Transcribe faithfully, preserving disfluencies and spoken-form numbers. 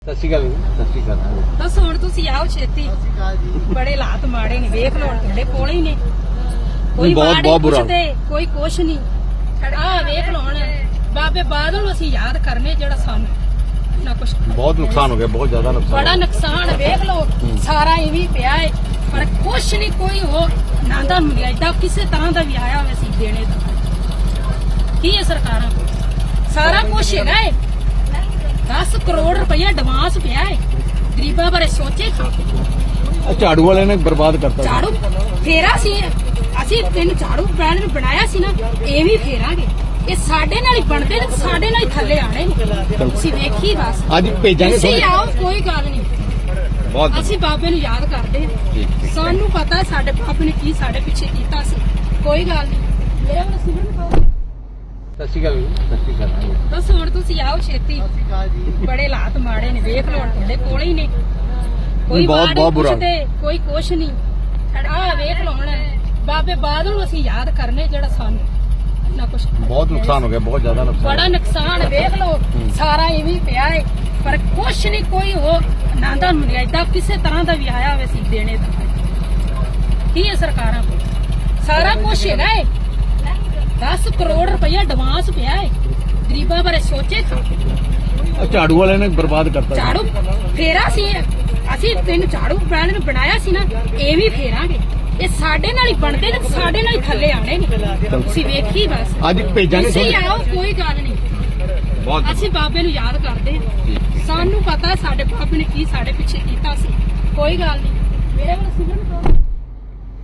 ਸਤਿ ਸ਼੍ਰੀ ਅਕਾਲ ਸਤਿ ਸ਼੍ਰੀ ਅਕਾਲ ਬਸ ਹੁਣ ਤੁਸੀਂ ਆਓ ਛੇਤੀ। ਬੜੇ ਹਾਲਾਤ ਮਾੜੇ ਨੇ, ਵੇਖ ਲਓ ਤੁਹਾਡੇ ਕੋਲ ਹੀ ਨੇ। ਕੋਈ ਬਹੁਤ ਬਹੁਤ ਬੁਰਾ, ਕੋਈ ਕੁਛ ਨਹੀਂ। ਆਹ ਵੇਖ ਲਓ ਹੁਣ ਬਾਬੇ ਬਾਦਲ ਨੂੰ ਅਸੀਂ ਯਾਦ ਕਰਨੇ, ਜਿਹੜਾ ਸਾਨੂੰ ਨਾ ਕੁਛ ਬਹੁਤ ਨੁਕਸਾਨ ਹੋ ਗਿਆ, ਬਹੁਤ ਜ਼ਿਆਦਾ ਨੁਕਸਾਨ, ਬੜਾ ਨੁਕਸਾਨ। ਵੇਖ ਲਓ ਸਾਰਾ ਇਵੇਂ ਪਿਆ ਹੈ, ਪਰ ਕੁਛ ਨਹੀਂ। ਕੋਈ ਹੋ ਨਾਂਦਾ ਮੁੰਡਿਆ ਕਿਸੇ ਤਰ੍ਹਾਂ ਦਾ ਵੀ ਆਇਆ ਹੋਵੇ ਸੀ ਦੇਣੇ ਦਾ ਕੀ ਹੈ ਸਰਕਾਰਾਂ ਕੋਲ। ਸਾਰਾ ਕੁਛ ਹੈਗਾ ਹੈ। दस करोड़ रुपया एडवांस पिया है, गरीबा बारे सोचे था। ਝਾੜੂ ਵਾਲੇ ਨੇ ਬਰਬਾਦ ਕਰਤਾ। ਝਾੜੂ ਫੇਰਾ ਸੀ, ਅਸੀਂ ਤੈਨੂੰ ਝਾੜੂ ਬ੍ਰਾਂਡ ਨੂੰ ਬਣਾਇਆ ਸੀ ਨਾ, ਇਹ ਵੀ ਫੇਰਾਂਗੇ। ਇਹ ਸਾਡੇ ਨਾਲ ਹੀ ਬਣਦੇ ਨੇ, ਸਾਡੇ ਨਾਲ ਹੀ ਥੱਲੇ ਆਣੇ ਨੇ। ਤੁਸੀਂ ਵੇਖੀ ਬਸ ਅੱਜ ਭੇਜਾਂਗੇ। ਤੁਸੀਂ ਆਓ, ਕੋਈ ਗੱਲ ਨਹੀਂ। ਬਹੁਤ ਅਸੀਂ ਬਾਬੇ ਨੂੰ ਯਾਦ ਕਰਦੇ ਹਾਂ। ਸਾਨੂੰ ਪਤਾ ਸਾਡੇ ਬਾਬੇ ਨੇ ਕੀ ਸਾਡੇ ਪਿੱਛੇ ਕੀਤਾ ਸੀ। ਕੋਈ ਗੱਲ ਨਹੀਂ। ਮੇਰੇ ਵੱਲ ਸਿਮਰਨ ਪਾਓ। ਸਤਿ ਸ਼੍ਰੀ ਅਕਾਲ ਸਤਿ ਸ਼੍ਰੀ ਅਕਾਲ ਬਸ ਹੁਣ ਤੁਸੀਂ ਆਓ ਛੇਤੀ। ਬੜੇ ਹਾਲਾਤ ਮਾੜੇ ਨੇ, ਵੇਖ ਲਓ ਤੁਹਾਡੇ ਕੋਲ ਹੀ ਨੇ। ਕੋਈ ਬਹੁਤ ਬਹੁਤ ਬੁਰਾ, ਕੋਈ ਕੁਛ ਨਹੀਂ। ਆਹ ਵੇਖ ਲਓ ਹੁਣ ਬਾਬੇ ਬਾਦਲ ਨੂੰ ਅਸੀਂ ਯਾਦ ਕਰਨੇ, ਜਿਹੜਾ ਸਾਨੂੰ ਨਾ ਕੁਛ ਬਹੁਤ ਨੁਕਸਾਨ ਹੋ ਗਿਆ, ਬਹੁਤ ਜ਼ਿਆਦਾ ਨੁਕਸਾਨ, ਬੜਾ ਨੁਕਸਾਨ। ਵੇਖ ਲਓ ਸਾਰਾ ਇਵੇਂ ਪਿਆ ਹੈ, ਪਰ ਕੁਛ ਨਹੀਂ। ਕੋਈ ਹੋ ਨਾਂਦਾ ਮੁੰਡਿਆ ਕਿਸੇ ਤਰ੍ਹਾਂ ਦਾ ਵੀ ਆਇਆ ਹੋਵੇ ਸੀ ਦੇਣੇ ਦਾ ਕੀ ਹੈ ਸਰਕਾਰਾਂ ਕੋਲ। ਸਾਰਾ ਕੁਛ ਹੈਗਾ ਹੈ। दस करोड़ रुपया एडवांस पिया है, गरीबा बारे सोचे था। ਝਾੜੂ ਵਾਲੇ ਨੇ ਬਰਬਾਦ ਕਰਤਾ। ਝਾੜੂ ਫੇਰਾ ਸੀ, ਅਸੀਂ ਤੈਨੂੰ ਝਾੜੂ ਬ੍ਰਾਂਡ ਨੂੰ ਬਣਾਇਆ ਸੀ ਨਾ, ਇਹ ਵੀ ਫੇਰਾਂਗੇ। ਇਹ ਸਾਡੇ ਨਾਲ ਹੀ ਬਣਦੇ ਨੇ, ਸਾਡੇ ਨਾਲ ਹੀ ਥੱਲੇ ਆਣੇ ਨੇ। ਤੁਸੀਂ ਵੇਖੀ ਬਸ ਅੱਜ ਭੇਜਾਂਗੇ। ਤੁਸੀਂ ਆਓ, ਕੋਈ ਗੱਲ ਨਹੀਂ। ਬਹੁਤ ਅਸੀਂ ਬਾਬੇ ਨੂੰ ਯਾਦ ਕਰਦੇ ਹਾਂ। ਸਾਨੂੰ ਪਤਾ ਸਾਡੇ ਬਾਬੇ ਨੇ ਕੀ ਸਾਡੇ ਪਿੱਛੇ ਕੀਤਾ ਸੀ। ਕੋਈ ਗੱਲ ਨਹੀਂ। ਮੇਰੇ ਵੱਲ